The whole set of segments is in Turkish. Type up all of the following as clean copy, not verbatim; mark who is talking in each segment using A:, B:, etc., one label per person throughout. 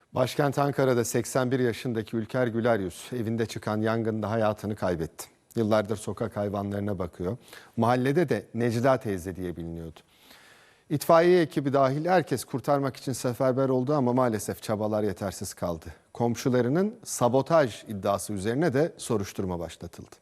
A: Başkent Ankara'da 81 yaşındaki Ülker Güleryüz evinde çıkan yangında hayatını kaybetti. Yıllardır sokak hayvanlarına bakıyor. Mahallede de Necla teyze diye biliniyordu. İtfaiye ekibi dahil herkes kurtarmak için seferber oldu ama maalesef çabalar yetersiz kaldı. Komşularının sabotaj iddiası üzerine de soruşturma başlatıldı.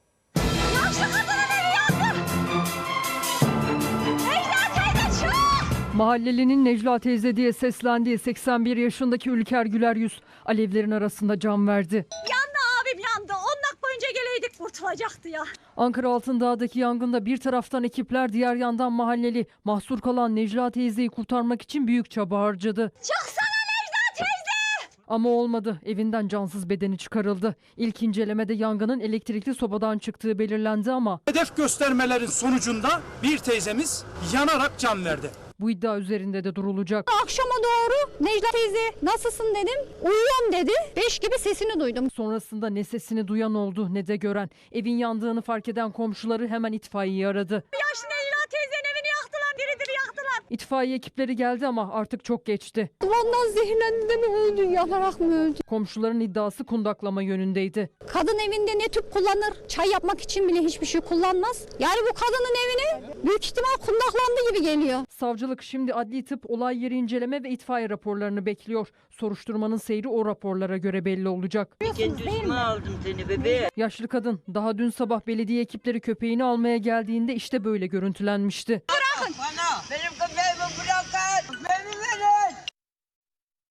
B: Mahallelinin Necla teyze diye seslendiği 81 yaşındaki Ülker Güleryüz alevlerin arasında can verdi.
C: Yandı abim yandı. 10 dakika önce geleydik kurtulacaktı ya.
B: Ankara Altındağ'daki yangında bir taraftan ekipler, diğer yandan mahalleli mahsur kalan Necla teyzeyi kurtarmak için büyük çaba harcadı.
C: Çıksana Necla teyze!
B: Ama olmadı. Evinden cansız bedeni çıkarıldı. İlk incelemede yangının elektrikli sobadan çıktığı belirlendi ama
D: hedef göstermelerin sonucunda bir teyzemiz yanarak can verdi.
B: bu iddia üzerinde de durulacak.
E: Akşama doğru Necla teyze nasılsın dedim. Uyuyorum dedi. 5 gibi sesini duydum.
B: Sonrasında ne sesini duyan oldu ne de gören. Evin yandığını fark eden komşuları hemen itfaiyeyi aradı.
C: Yaşlı Necla teyzenin evini yaktılar, diri yaktılar.
B: İtfaiye ekipleri geldi ama artık çok geçti.
E: Dumandan zehirlendi de mi öldü, yanarak mı öldü?
B: Komşuların iddiası kundaklama yönündeydi.
E: Kadın evinde ne tüp kullanır? Çay yapmak için bile hiçbir şey kullanmaz. Yani bu kadının evine büyük ihtimal kundaklandı gibi geliyor.
B: Savcılık şimdi adli tıp, olay yeri inceleme ve itfaiye raporlarını bekliyor. Soruşturmanın seyri o raporlara göre belli olacak.
F: Kendi üstüme aldım seni bebeğim.
B: Yaşlı kadın daha dün sabah belediye ekipleri köpeğini almaya geldiğinde işte böyle görüntülenmişti.
F: Bana benim